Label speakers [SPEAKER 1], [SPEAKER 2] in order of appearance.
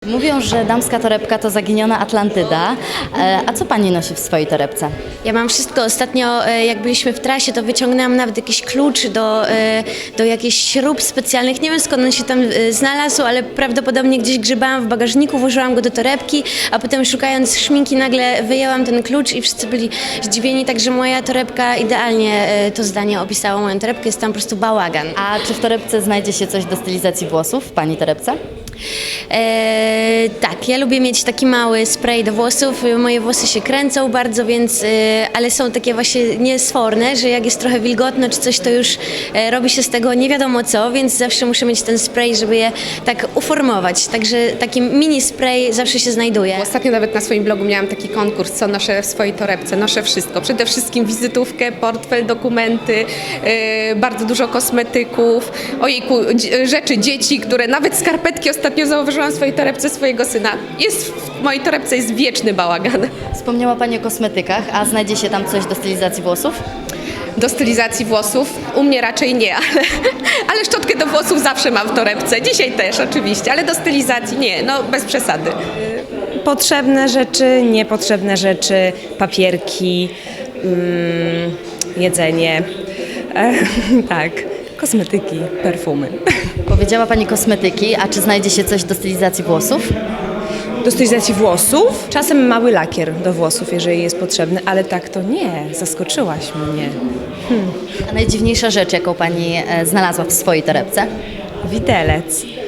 [SPEAKER 1] Mówią, że damska torebka to zaginiona Atlantyda. A co pani nosi w swojej torebce?
[SPEAKER 2] Ja mam wszystko. Ostatnio, jak byliśmy w trasie, to wyciągnęłam nawet jakiś klucz do jakichś śrub specjalnych. Nie wiem, skąd on się tam znalazł, ale prawdopodobnie gdzieś grzebałam w bagażniku, włożyłam go do torebki, a potem szukając szminki nagle wyjęłam ten klucz i wszyscy byli zdziwieni, także moja torebka idealnie to zdanie opisało moją torebkę. Jest tam po prostu bałagan.
[SPEAKER 1] A czy w torebce znajdzie się coś do stylizacji włosów w pani torebce?
[SPEAKER 2] Tak, ja lubię mieć taki mały spray do włosów. Moje włosy się kręcą bardzo, więc, ale są takie właśnie niesforne, że jak jest trochę wilgotno czy coś, to już robi się z tego nie wiadomo co, więc zawsze muszę mieć ten spray, żeby je tak uformować. Także taki mini spray zawsze się znajduje.
[SPEAKER 3] Ostatnio nawet na swoim blogu miałam taki konkurs, co noszę w swojej torebce. Noszę wszystko. Przede wszystkim wizytówkę, portfel, dokumenty, bardzo dużo kosmetyków, ojejku, rzeczy dzieci, które nawet skarpetki ostatnio zauważyłam w swojej torebce swojego syna. W mojej torebce jest wieczny bałagan.
[SPEAKER 1] Wspomniała pani o kosmetykach, a znajdzie się tam coś do stylizacji włosów?
[SPEAKER 3] Do stylizacji włosów u mnie raczej nie, ale szczotkę do włosów zawsze mam w torebce. Dzisiaj też oczywiście, ale do stylizacji nie, no bez przesady.
[SPEAKER 4] Potrzebne rzeczy, niepotrzebne rzeczy, papierki, jedzenie, tak, kosmetyki, perfumy.
[SPEAKER 1] Powiedziała pani kosmetyki, a czy znajdzie się coś do stylizacji włosów?
[SPEAKER 4] Do stylizacji włosów, czasem mały lakier do włosów, jeżeli jest potrzebny, ale tak to nie, zaskoczyłaś mnie.
[SPEAKER 1] A najdziwniejsza rzecz, jaką pani znalazła w swojej torebce?
[SPEAKER 4] Widelec.